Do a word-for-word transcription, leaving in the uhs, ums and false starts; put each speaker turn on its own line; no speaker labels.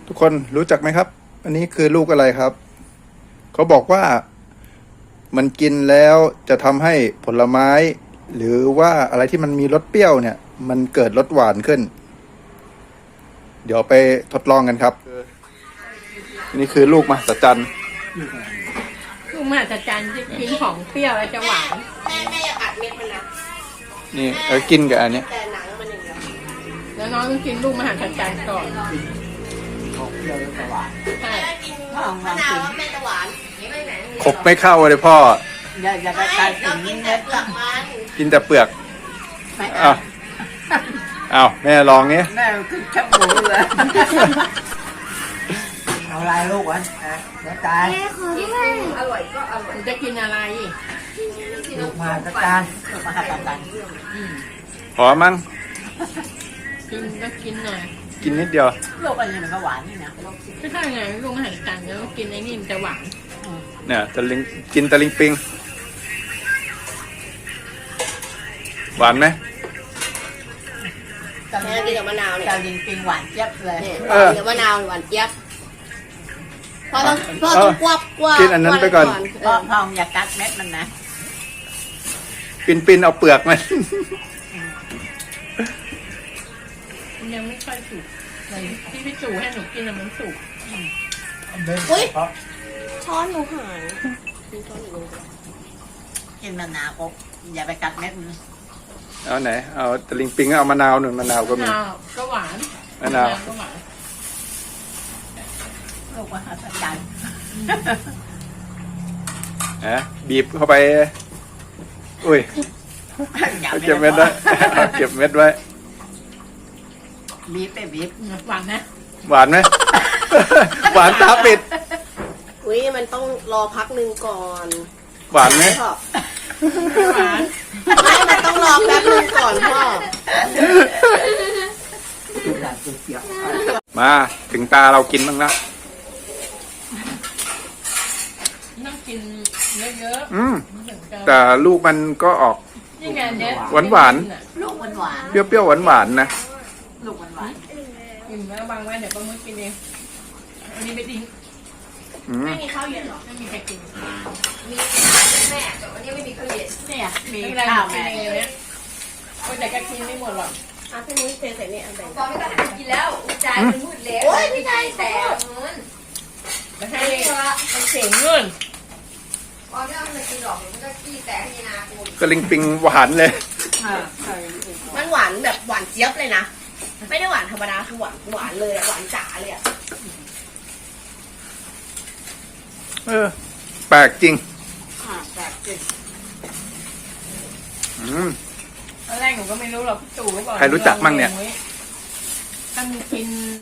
ทุกคนรู้จักไหมครับ อันนี้คือลูกอะไรครับ เขาบอกว่ามันกินแล้วจะทำให้ผลไม้ หรือว่าอะไรที่มันมีรสเปรี้ยวเนี่ย มันเกิดรสหวานขึ้น เดี๋ยวไปทดลองกันครับ นี่คือลูกมหัศจรรย์
ลูกมหัศจรรย์ที่กินของเปรี้ยวแล้วจะหวาน
แม่แม่อย่าอัดเม็ดมันนะ
นี่เออกินกับอันเนี้ย
แต่หนังมันอย่างเดียว
แล้วน้องต้องกินลูกมหัศจรรย์ก่อน
ของเปรี้ยวแล้วจะหวาน
ใช่
แม่กินมะนาวว่าแม่จะหวานไม่ไหน
ขบไม่เข้าเลยพ่อ
อย่าอย่าไป
ไม่
ใส่
เรา
ถึง
กิน
เม็
แต่
ด
เปลือกมัน
กินแต่เปลือก
ไม่
อ้าวอ้าวแม่ลองนี้
แม่ขึ้นแคบหมูเลยเอาลายลูกวะนะเดี๋ยวตาย
อร่อยก็อร่อย
หนูจะกินอะไร
ลูกมาตะการลูกมาหัดตะการ
ขอมั้ง
กินก็กินหน่อย
กินนิดเดียว
ลูกอันนี้มันก็หวานนี่นะ
ไม่ใช่ไงลูกมหัศจรรย์แล้วกินไอ้นี่มันจะหวาน
เนี่ยตะลิงกินตะลิงปิง หวานไหม
ตะ
แม่
ลิง
กินกับมะนาวเนี่ย
ตะลิงปิงหวานเจี๊ยบเลย
เนี่ยกินกับมะนาวหวานเจี๊ยบพอต้องพอต้องกวบกวบ
กินอันนั้นไปก่อน
พ่อพ่ออย่ากัดเม็ดมันนะ
ปินปินเอาเปลือกมัน
มันยังไม่ค่อยสุกเลยที่พี่จู่ให้หนูกินน่ะมันสุก
อุ้ยช้อนหนูหายมีช้อนอีกเลย
กินมะนาวก็อย่าไปกัดเม็ดมัน
เอาไหน เอาตะลิงปิงเอามะนาวหนึ่งมะนาวก็มี
มะนาวก็หวาน
มะนาว
ก็หวาน
ลูกมาหัดตะการ
นะบีบเข้าไป อุ้ย
อย่า
เอา
ไป
เก็บเม็ดไว้ เอาเก็บเม็ดไว้
บีบไปบีบ
หวานนะ
หวานไหม หวานตาปิด
อุ้ยมันต้องรอพักหนึ่งก่อน
หวานไหม
พ่อ
หวาน
ไม่มันต้องรอแป๊บหนึงก่อนพ่อ
อยากเกี่ยว
มาถึงตาเรากินบ้างแล้ว
ต้องกินเยอะ
อืม
ๆถึงจะ
แต่ลูกมันก็ออก
นี่ไงเนี้ย
หวานหวาน
ลูกมันหวาน
เปรี้ยวๆหวานๆนะ
ลูกมันหวาน
กินแล้วบางไว้เดี๋ยวป้ามุ้ยกินเองอันนี้ไม่ทิ้ง
อืม
ไม่มีข้าวเย็นหรอ
ไม่มีใครกิน
มีแม่แต่วันนี้ไม่มีข้าวเย็น
เนี่ยมี
ไม่เป็นไร
ข้าว
กิ
แม่
นเองเนี่ยก็แต่ก็กินไม่หมดหรอก
อ่ะพี่นุ้ยเทใส่นี่อันไหน
ตอนไม่ต้องหากินแล้วจานมันมืดแล้ว
โอ้ยพี่ชาย
แต่
แต่
เงิน
ไม่ให้มันเสียเงิน
ตอนไม่ต้องมากินหรอกมันก็ขี้แต่ให้นาคุณ
ตะลิงปิงหวานเลย
มันหวานแบบหวานเจี๊ยบเลยนะ ไม่ได้หวานธรรมดาคือหวานหวานเลยอะหวานจ๋าเลยอะ
เออ แปลกจริง
อ่าแบบจริง
อืม
ตอนแรกหนูก็ไม่รู้หรอกพี่ตู่ก็บอก
ใครรู้จักมั่งเนี่ย
ถ้ามีกิน